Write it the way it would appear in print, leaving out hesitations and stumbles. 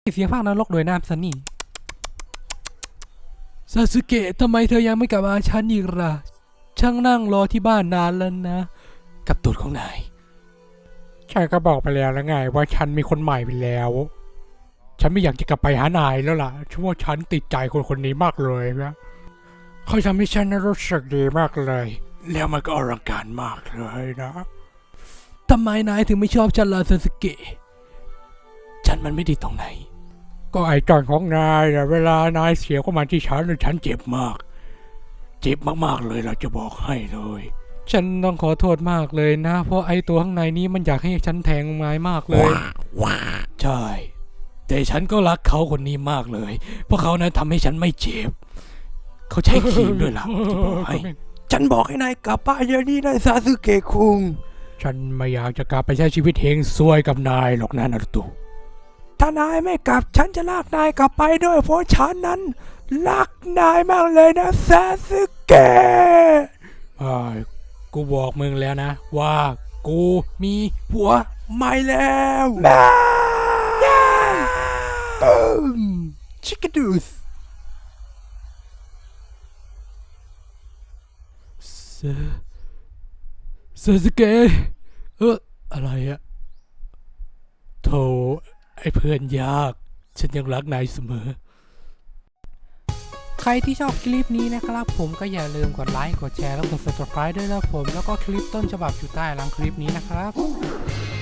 เสียงภาคนรกโดยนามซันนี่ซาสึเกะทำไมเธอยังไม่กลับมาฉันอีกล่ะช่างนั่งรอที่บ้านนานแล้วนะกับตูดของนายฉันก็บอกไปแล้วไงว่าฉันมีคนใหม่ไปแล้วฉันไม่อยากจะกลับไปหานายแล้วล่ะฉันว่าฉันติดใจคนนี้มากเลยนะเขาทำให้ฉันรู้สึกดีมากเลยแล้วมันก็อลังการมากเลยนะทำไมนายถึงไม่ชอบฉันล่ะซาสึเกะฉันมันไม่ดีตรงไหนก็ไอ้จอนของนายนะเวลานายเสียเข้ามาที่ฉันฉันเจ็บมากเจ็บมากๆเลยเราจะบอกให้เลยฉันต้องขอโทษมากเลยนะเพราะไอ้ตัวข้างในนี้มันอยากให้ฉันแทงนายมากเลยใช่แต่ฉันก็รักเขาคนนี้มากเลยเพราะเขานั้นทำให้ฉันไม่เจ็บเขาใช้ครีมด้วยล่ะจะบอกให้ฉันบอกให้นายกลับบ้านเดี๋ยวนี้นะซาสึเกะคุงฉันไม่อยากจะกลับไปใช้ชีวิตเฮงซวยกับนายหรอกนะนารุโตะถ้านายไม่กลับฉันจะลากนายกลับไปด้วยเพราะฉันนั้นรักนายมากเลยนะซาสึเกะกูบอกมึงแล้วนะว่ากูมีผัวใหม่แล้วชิคกี้ดูสซาสึเกะอะไรอะโธ่ไอ้เพื่อนยากฉันยังรักนายเสมอใครที่ชอบคลิปนี้นะครับผมก็อย่าลืมกดไลค์กดแชร์แล้วกด subscribe ด้วยนะผมแล้วก็คลิปต้นฉบับอยู่ใต้หลังคลิปนี้นะครับ